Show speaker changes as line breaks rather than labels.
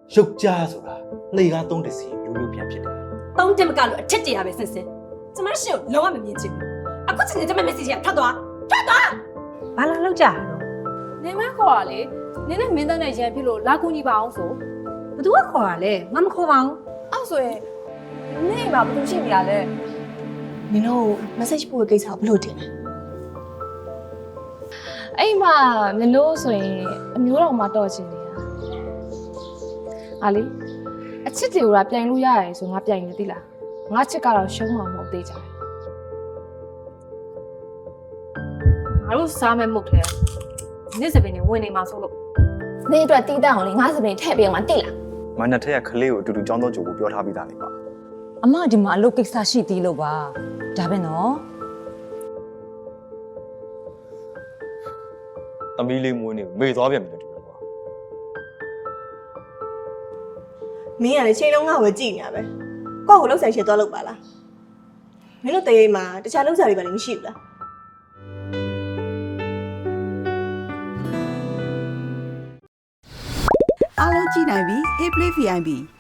ရုပ်ကြားဆိုတာလှေကားသုံးတစ်စီမျိုးပြန်ဖြစ်တယ်
တောင်းတက်မကလို့အထက်တရပဲဆင်းဆင်းကျမရှင်ကိုလုံးဝမမြင်ချင်ဘူးအခုချိန်ကျမ message ကထွက်သွား
ဘာလာလောက်ကြတာတော့
နေမခေါ်ရလေနင်းနဲ့မင်းသားနဲ့ရန်ဖြစ်လို့လာကူညီပါအောင်ဆို
ဘသူကခေါ်ရလဲငါမခေါ်ပါဘူး
အောက်ဆိုရင်နေမှာဘာလို့ရှိနေရလဲ
နင်တို့ message ပို့တဲ့ကိစ္စကိုဘယ်လိုတင်လဲ
အဲ့မှာမလို့ဆိုရင်အမျိုးတော်မှာတော့ချင်နေတာဟာလေအချစ်တွေကပြိုင်လို့ရတယ်ဆိုငါပြိုင်နေသိလားငါချစ်ကတော့ရှုံးမှာမဟုတ်သေးကြတယ်ငါတို့စားမဲ့မှုထဲနေ့စပင်နေဝင်နေမှာဆိုလို့
နင်အတွက်တီးတန့်အောင်လေငါစပင်ထည့်ပေးအောင်မသိလား
မနက်ထက်ကခလေးကိုအတူတူကြောင်းတော့ကြိုကိုပြောထားပြီးသားလေပါ
အမဒီမှာအလုပ်ကိစ္စရှိသေးလို့ပါဒါပဲနော်
သမီးလေးမွေးနေမေ့သွားပြန်ပြီလို့တူတယ်ကွာ
မင်းကလည်းချိန်လုံးငါ့ကိုကြည့်နေရပဲကိုယ့်ကိုလှုပ်ဆိုင်ရှည်သွားလုပ်ပါလားမင်းတို့တရေမှာတခြားလှုပ်ဆိုင်တွေပါလည်းမရှိဘူးလား
အားလုံးကြည့်နိုင်ပြီ Hey Play VIP